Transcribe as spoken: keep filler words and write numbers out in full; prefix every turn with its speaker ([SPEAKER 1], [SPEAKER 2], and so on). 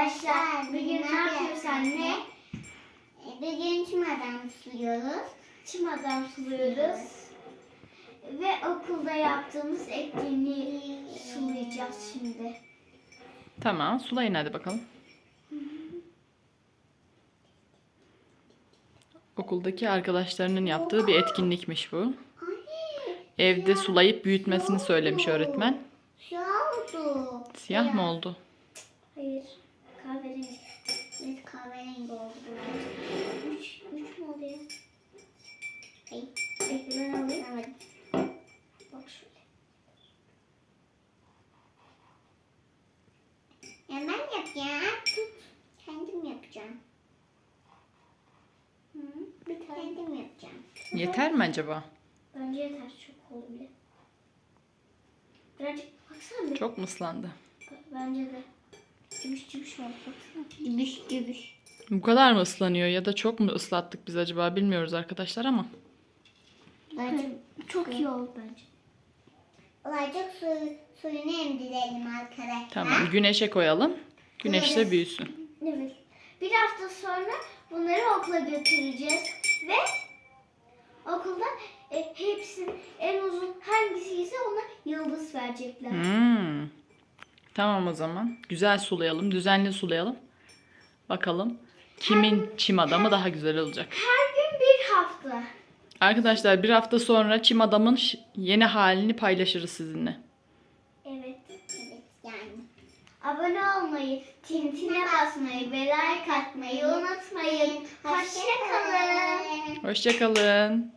[SPEAKER 1] arkadaşlar. Bugün ne yapıyoruz anne?
[SPEAKER 2] Bugün çim adam suluyoruz.
[SPEAKER 1] Çim adam suluyoruz. Ve okulda yaptığımız etkinliği sulayacağız şimdi.
[SPEAKER 3] Tamam, sulayın hadi bakalım. Okuldaki arkadaşlarının yaptığı bir etkinlikmiş bu. Evde sulayıp büyütmesini söylemiş öğretmen.
[SPEAKER 2] Siyah oldu.
[SPEAKER 3] Siyah mı oldu?
[SPEAKER 1] Hayır. Kahverengi.
[SPEAKER 2] Evet, kahverengi oldu.
[SPEAKER 1] Üç, üç mü oldu ya?
[SPEAKER 2] Hayır.
[SPEAKER 1] Bekle ben alayım.
[SPEAKER 2] Evet.
[SPEAKER 1] Bak şöyle.
[SPEAKER 2] Ya ben yapacağım. Tut. Kendim yapacağım.
[SPEAKER 1] Hı, bir tane.
[SPEAKER 2] Kendim yapacağım.
[SPEAKER 3] Yeter mi acaba?
[SPEAKER 1] Bence yeter. Çok oldu bile. Birazcık baksana bir.
[SPEAKER 3] Çok mu ıslandı?
[SPEAKER 1] Bence de. Cıbış cıbış oldu baksana.
[SPEAKER 2] Gibiş gibiş.
[SPEAKER 3] Bu kadar mı ıslanıyor ya da çok mu ıslattık biz acaba bilmiyoruz arkadaşlar ama.
[SPEAKER 2] Olacak,
[SPEAKER 1] Çok iyi oldu bence.
[SPEAKER 2] olacak su, suyunu emdirelim arkadaşlar.
[SPEAKER 3] Tamam, güneşe koyalım. Güneşte büyüsün.
[SPEAKER 1] Evet. Bir hafta sonra bunları okula götüreceğiz ve okulda e, hepsinin en uzun hangisi ise ona yıldız verecekler.
[SPEAKER 3] Hmm. Tamam o zaman. Güzel sulayalım, düzenli sulayalım. Bakalım kimin çim adamı daha güzel olacak.
[SPEAKER 1] Her gün bir hafta.
[SPEAKER 3] Arkadaşlar bir hafta sonra çim adamın ş- yeni halini paylaşırız sizinle.
[SPEAKER 1] Evet.
[SPEAKER 2] Evet yani.
[SPEAKER 1] Abone olmayı, tintine basmayı ve like atmayı unutmayın. Hoşçakalın.
[SPEAKER 3] Hoşça kalın.